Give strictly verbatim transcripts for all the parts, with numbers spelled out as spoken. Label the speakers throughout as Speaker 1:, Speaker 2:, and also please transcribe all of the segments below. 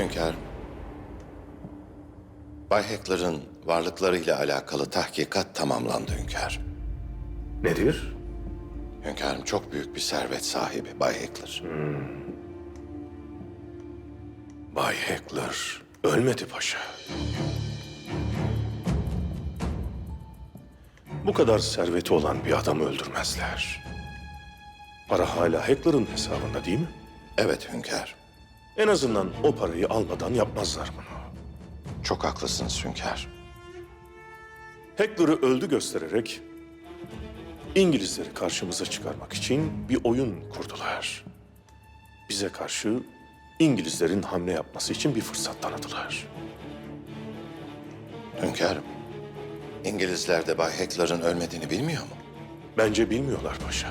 Speaker 1: Hünkârım. Bay Heckler'ın varlıklarıyla alakalı tahkikat tamamlandı hünkârım.
Speaker 2: Nedir?
Speaker 1: Hünkârım çok büyük bir servet sahibi Bay Heckler.
Speaker 2: Bay Heckler ölmedi paşa. Bu kadar serveti olan bir adamı öldürmezler. Para hala Heckler'ın hesabında değil mi?
Speaker 1: Evet hünkârım.
Speaker 2: En azından o parayı almadan yapmazlar bunu.
Speaker 1: Çok haklısınız hünkârım.
Speaker 2: Heckler'ı öldü göstererek İngilizleri karşımıza çıkarmak için bir oyun kurdular. Bize karşı İngilizlerin hamle yapması için bir fırsat tanıdılar.
Speaker 1: Hünkârım. İngilizler de Bay Heckler'ın ölmediğini bilmiyor mu?
Speaker 2: Bence bilmiyorlar paşa.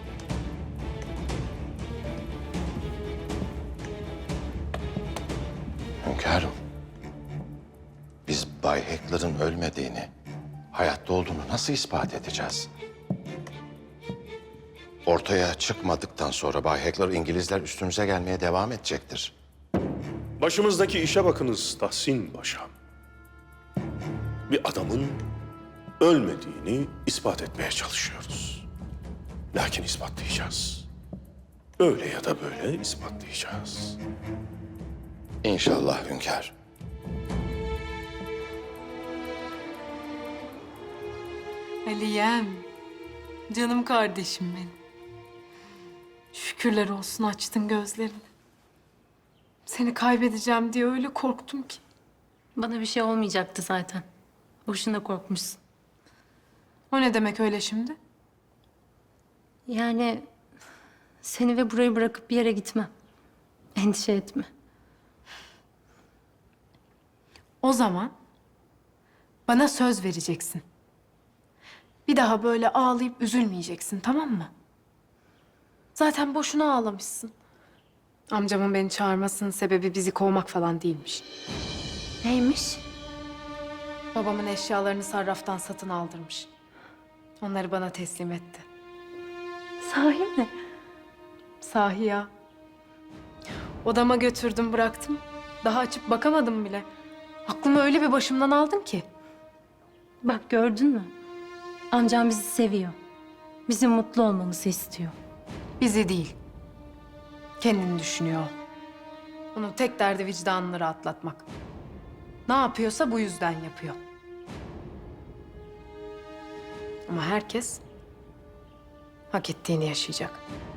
Speaker 1: Hünkârım. Biz Bay Heckler'ın ölmediğini, hayatta olduğunu nasıl ispat edeceğiz? Ortaya çıkmadıktan sonra Bay Heckler İngilizler üstümüze gelmeye devam edecektir.
Speaker 2: Başımızdaki işe bakınız Tahsin Paşam. Bir adamın ölmediğini ispat etmeye çalışıyoruz. Lakin ispatlayacağız. Öyle ya da böyle ispatlayacağız.
Speaker 1: İnşallah hünkâr.
Speaker 3: Aliyem, canım kardeşim benim. Şükürler olsun açtın gözlerini. Seni kaybedeceğim diye öyle korktum ki.
Speaker 4: Bana bir şey olmayacaktı zaten. Boşuna korkmuşsun.
Speaker 3: O ne demek öyle şimdi?
Speaker 4: Yani seni ve burayı bırakıp bir yere gitmem. Endişe etme.
Speaker 3: O zaman bana söz vereceksin. Bir daha böyle ağlayıp üzülmeyeceksin, tamam mı? Zaten boşuna ağlamışsın. Amcamın beni çağırmasının sebebi bizi kovmak falan değilmiş.
Speaker 4: Neymiş?
Speaker 3: Babamın eşyalarını sarraftan satın aldırmış. Onları bana teslim etti.
Speaker 4: Sahi mi?
Speaker 3: Sahi ya. Odama götürdüm bıraktım. Daha açıp bakamadım bile. Aklımı öyle bir başımdan aldın ki.
Speaker 4: Bak gördün mü? Amcam bizi seviyor. Bizim mutlu olmamızı istiyor.
Speaker 3: Bizi değil. Kendini düşünüyor. o. Onun tek derdi vicdanını rahatlatmak. Ne yapıyorsa bu yüzden yapıyor. Ama herkes hak ettiğini yaşayacak.